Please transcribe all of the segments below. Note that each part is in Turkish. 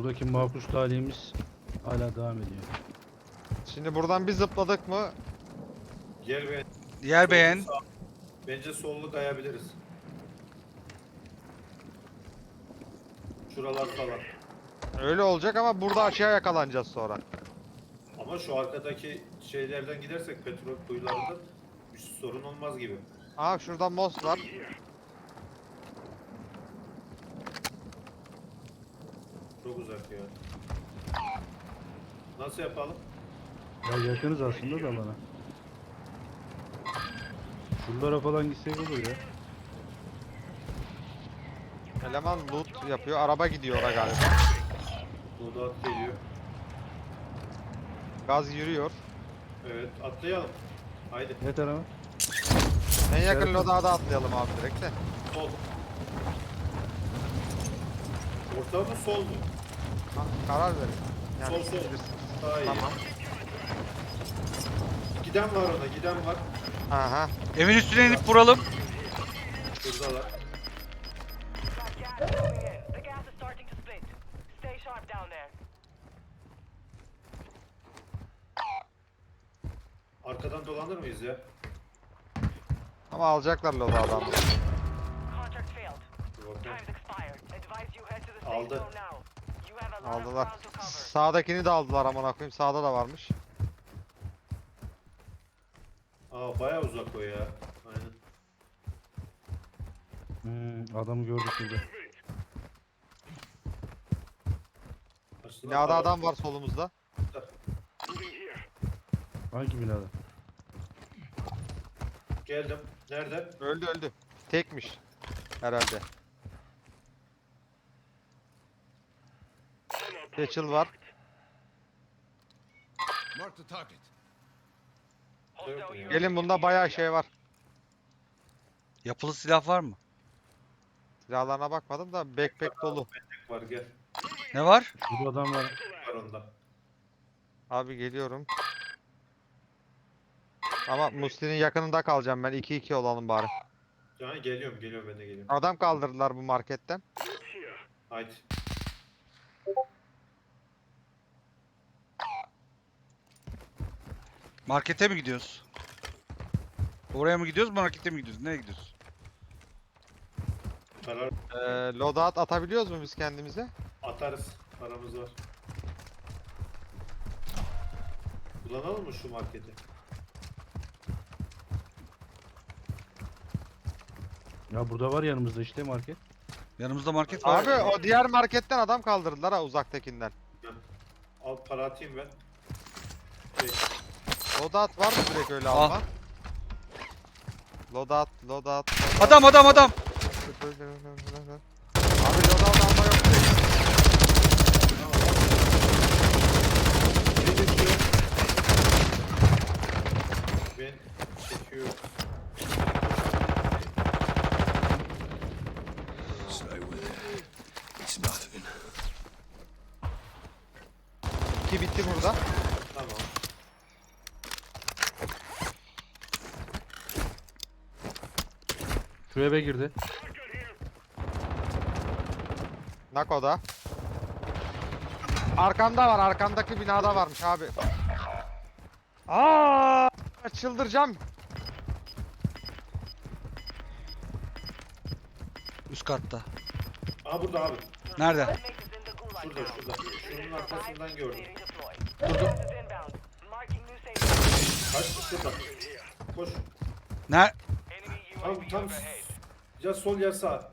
Buradaki makus talihimiz hala devam ediyor. Şimdi buradan bir zıpladık mı? Yer ve Yer beğen. sağ. Bence sollu kayabiliriz. Şuralar falan. Öyle olacak ama burada açığa yakalanacağız sonra. Ama şu arkadaki şeylerden gidersek petrol kuyularında bir sorun olmaz gibi. Aa şurada most var. Çok uzak ya. Nasıl yapalım? Ya yakınız aslında da bana. Şuralara falan gitsek olur ya. Eleman loot yapıyor. Araba gidiyor oraya galiba. Burada at geliyor. Gaz yürüyor. Evet atlayalım. Haydi. Ne tarafa? En yakın Evet. lodağa da atlayalım abi direkt de. Sol. Orta mı sol mu? Ha, karar verin. Yani Sol, siz sol. bilirsiniz. Daha iyi. Tamam. Giden var ona, giden var. Aha. Evin üstüne inip vuralım. Şuradalar. Got gas moving in. The gas is starting to split. Stay sharp down there. Arkadan dolanır mıyız ya? Ama alacaklar lodağı adamı. Contract failed. Dur bakalım. Time's expired. Advise you head to the safe Aldı. zone now. You have a lot of Aldılar. ground to cover. Sağdakini de aldılar amına koyayım. Sağda da varmış. Aa bayağı uzak o ya. Aynen. Adamı gördük burada. Aslında Binada araba- adam var solumuzda. Hangi binada? Geldim. Nerede? Öldü öldü. Tekmiş. Herhalde. Satchel var. Mark the target. Yok mu ya? Gelin bunda bayağı şey var. Yapılı silah var mı? Silahlarına bakmadım da backpack dolu. Var gel. Ne var? Burada adam var. Var onda. Abi geliyorum. Ama Musli'nin yakınında kalacağım ben. 2-2 olalım bari. Yani geliyorum ben de geliyorum. Adam kaldırdılar bu marketten. Haydi. Markete mi gidiyoruz? Oraya mı gidiyoruz, markete mi gidiyoruz? Nereye gidiyoruz? Karar Loadout atabiliyoruz mu biz kendimize? atarız. Paramız var. Kullanalım mı şu marketi? Ya burada var yanımızda işte market. Yanımızda market var. Abi o diğer marketten adam kaldırdılar ha uzaktakinden. Al para atayım ben. Şey, Loadout var mı direkt öyle Ah. alma? Loadout. Adam. Abi loadout alma yok direkt. biri geçiyor. Ben çekiyorum. Stay with it. It's nothing. 2 bitti burada. Tamam. Şu eve girdi. Nako'da. Arkamda var. Arkamdaki binada varmış abi. Aa! Çıldıracağım. Üst katta. Aa burada abi. Nerede? Inmates in the gulag Şurada now. şurada. Şunun arkasından gördüm. They redeploy. Gas is inbound. Marking new safe zone. Kaç şurada. Koş. Ner? Tam ya sol ya sağ.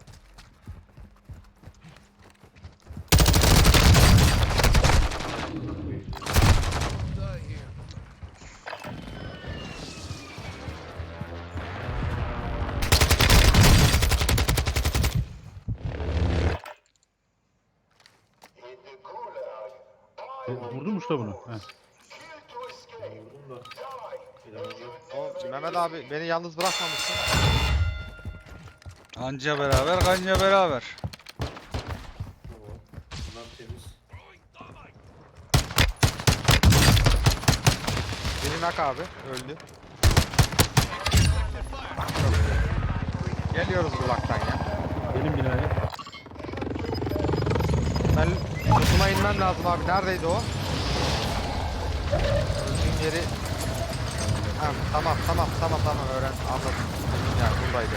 Die here. Vurdu mu usta bunu? Heh. Vurdum da. Elemanlar. O Mehmet abi beni yalnız bırakmamışsın. Anca beraber, kanca beraber. Tamam. Bunlar temiz. Beni nak abi. Öldü. Geliyoruz bulaktan ya. Benim binaya. Ben Kutuma inmem lazım abi. Neredeydi o? Öldüğüm yeri... Ha, tamam öğren. Anladım. Yani buradaydı.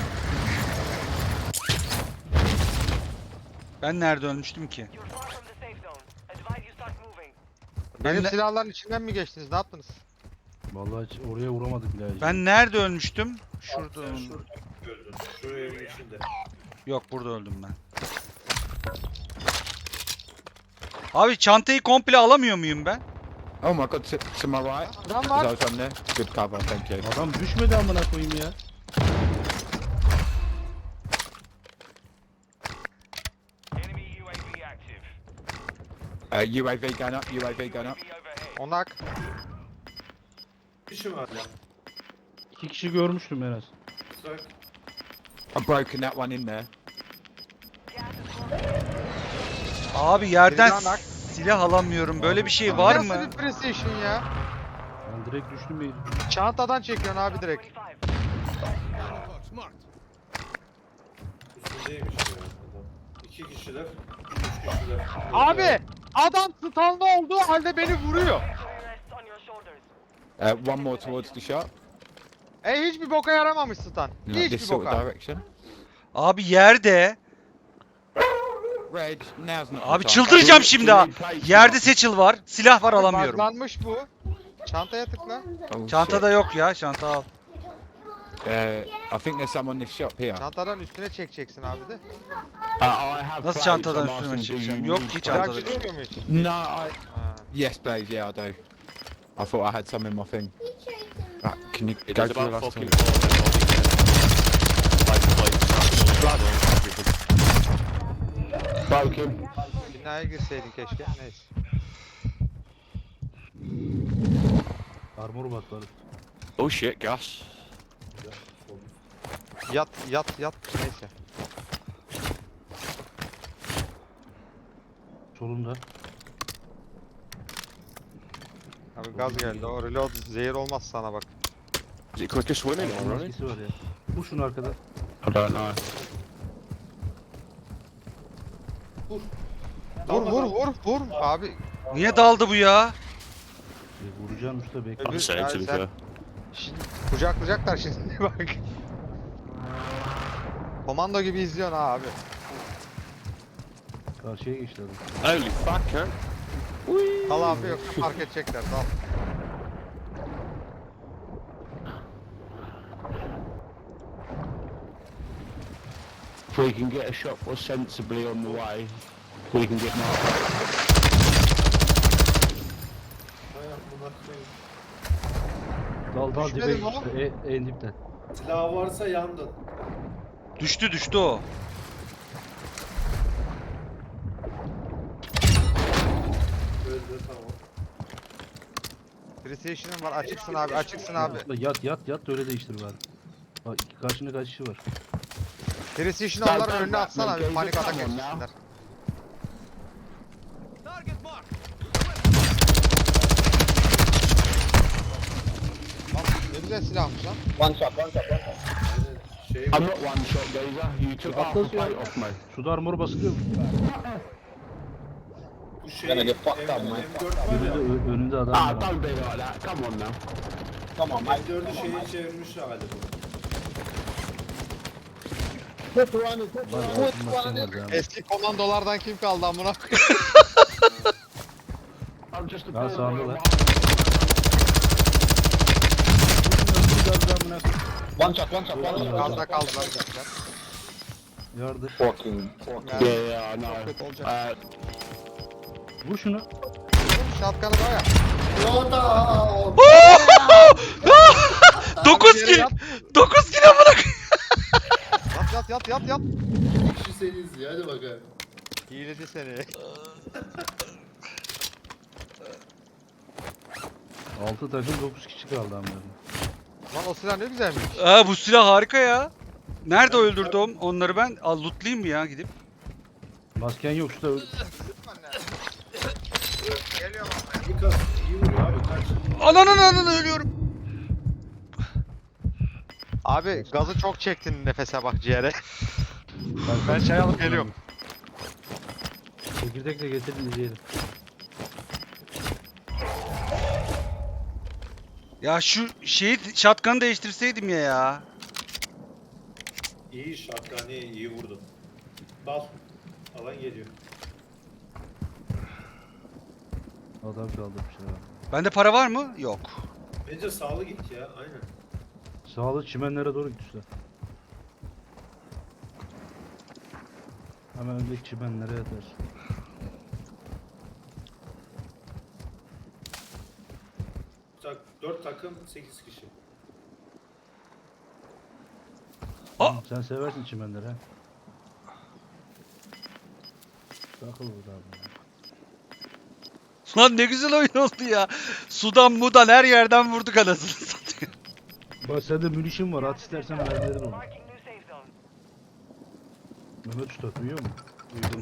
Ben nerede ölmüştüm ki? You're far from the safe zone. Advise you start moving. Benim ne- silahların içinden mi geçtiniz? Ne yaptınız? Vallahi hiç oraya uğramadık bile. hacı. Ben nerede ölmüştüm? Şurada. Şurada. Sen şurada gördün. Şu evin içinde. Yok, burada öldüm ben. Abi çantayı komple alamıyor muyum ben? Oh my god, to my right. Adam As var. I was on there. Good cover, thank you. Adam düşmedi amına koyayım ya. Enemy UAV active. UAV going up, UAV going up. UAV overhead. Onak. Kişi var ya. 2 kişi görmüştüm en az. Bak. I've broken that one in there. Gas is closing in. Abi yerden Biri daha nak. silah alamıyorum. Böyle bir şey var Nasıl mı? bir precision ya? Ben direkt düştüm bir. Çantadan çekiyorsun abi direkt. 25. Box marked. Üstündeymiş ya. Adam. 2 kişiler. 3 kişiler. Abi! Adam stunlı olduğu halde beni vuruyor. Victory rests on your shoulders. One more towards the shop. Hiçbir boka yaramamış stun. You know, this Hiçbir sort of boka. direction. Abi yerde. Reg, now's not the Abi time. çıldıracağım şimdi ha. Yerde seçil var. Silah var, alamıyorum. Buglanmış bu. Çantaya tıkla. Oh, Çantada yok ya. Çanta al. shit. I think there's some on this shop here. Çantadan üstüne çekeceksin abi de. Nasıl çantadan üstüme çekeceğim? Yok ki çantada. Plakçı çıkıyor mu hiç? No, I... Ha. Yes, please, yeah, I do. I thought I had some in my thing. Can you go to the last one? Broke him. Binaya girseydin keşke. Neyse. Armor batları. Oh shit, gas. Yat. Neyse. Solunda. Abi gaz geldi. O reload zehir olmaz sana bak. Is it quicker swimming or running? Maskesi var ya. Vur şunu arkadan. I don't know. Vur. Abi. Niye daldı bu ya? Vuracağım usta bekle. Öbür- I'm saying to be sen- fair. Şimdi kucaklayacaklar şimdi bak. Komando gibi izliyorsun ha abi. Karşıya geçti adam. Holy fuck, huh? Al abi yok fark edecekler. Al. If we can get a shot was sensibly on the way, we can get marked. Hay amına koyayım. Dal dibe Düşmedi mi o? geçti. En dipten. Silah varsa yandın. Düştü o. Öldü tamam. Precision'ın var açıksın abi. Yat da öyle değiştir bari. Bak karşında kaç kişi var. Precision onların önüne atsana bir panik atak geçsinler. Target marked. Ne güzel silahmış lan. Şey I'm not one shot gazer, you took half the plate off me. Suda armor basılıyor mu? bu şey M4 var ya. Önünde adam Ah, var. don't be like that, come on now. M4'ü şeyi çevirmiş hali bu. Var, altın basın var ya. Eski komandolardan kim kaldı amına koyayım? I'm just a Ya player. sağında lan. Gazda kaldılar bizler. Yardır. Yeah, yeah, I know. Kötü olacak. Vur şunu. Şatkanı da ya. 9 Yere kill. yat. 9 kill amına koyayım. Yat. Kişi seniz ya, hadi bakalım. Hiledi seni. 6 takım 9 kişi kaldı amına. Lan o silah ne güzelmiş. Bu silah harika ya. Nerede öldürdüm onları ben? Al lootlayayım mı ya gidip? Masken yok usta. Geliyorum Bir kas iyi vuruyor abi kaç. Anan ölüyorum. abi. Gazı çok çektin nefese bak ciğere. Ben çay alıp geliyorum. Çekirdek de getirin izleyelim. Ya şu şeyi şatkanı değiştirseydim ya. İyi şatkani, iyi vurdun. Dal. Alan geliyor. Adam kaldırmışlar ha. Bende para var mı? Yok. Bence sağlı git ya. Aynen. Sağlı çimenlere doğru gitmişler. Hemen öndeki çimenlere yatar. Tak, 4 takım 8 kişi. Sen seversin çimenleri ha. Takıl burada abi. ya. Lan ne güzel oyun oldu ya. Sudan mudan her yerden vurduk anasını satayım. Bak sende münişin var, at istersen mermilerin olur. Marking new safe zone. Mehmet Usta duyuyor mu? Duydum.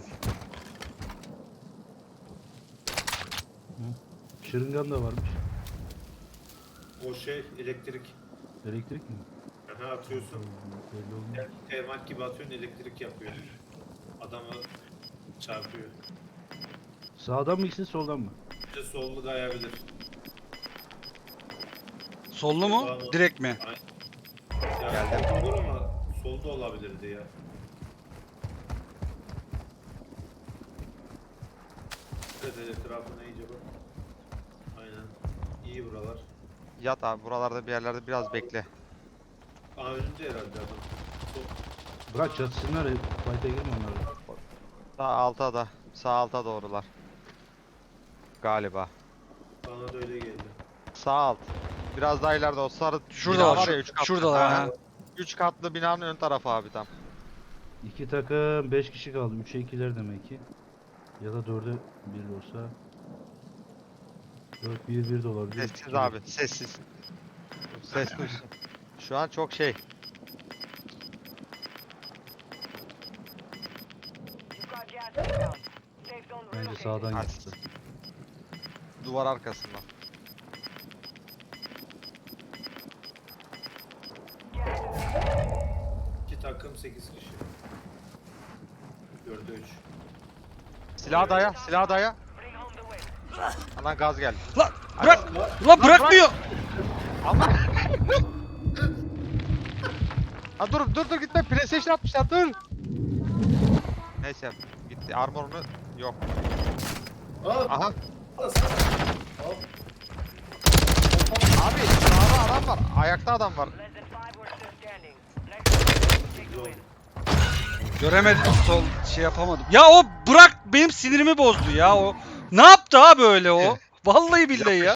Şırıngan da varmış. O şey elektrik. Elektrik mi? Aha atıyorsun. Belli olmuyor. Yani termal gibi atıyorsun elektrik yapıyor. Adamı çarpıyor. Sağdan mı gitsin soldan mı? Bir de sollu kayabilir. Sollu mu? Direkt mi? Yani olur ama solda olabilirdi ya. Evet etrafına iyice bak. Aynen. İyi buralar. Yat abi buralarda bir yerlerde biraz bekle. Aa önünde herhalde adam. Sol. Bırak çatışsınlar, fight'a girme onları. Sağ alta da. Sağ alta doğrular. Galiba. Bana da öyle geldi. Sağ alt. Biraz daha ileride o sarı Şurada bina var, ya 3 katlı. şuradalar, ha. 3 katlı binanın ön tarafı abi tam. İki takım 5 kişi kaldı. 3'e 2'ler demek ki. Ya da 4'e 1 olsa. 4-1-1 de olabilir. Sessiz abi sessiz. Ses duysun. Şu an çok şey. You've got gas inbound. Safe zone Bence relocated. sağdan Hadi. gitti. Duvar arkasından. Gas is inbound. 2 takım 8 kişi. 4'e 3. Silah daya, silah daya. Bring home the win. Lan gaz geldi. Lan bırak! Lan bırakmıyor! Ama. Ha dur gitme. PlayStation atmışlar dur. Neyse gitti. Armorunu yok. Aa! Aha. Al sana. Al. Abi sağda adam var. Ayakta adam var. Less than 5 were still standing. Next take the win. Göremedim, sol şey yapamadım. Ya o bırak benim sinirimi bozdu ya o. Ne yaptı abi öyle o? Vallahi billahi ya.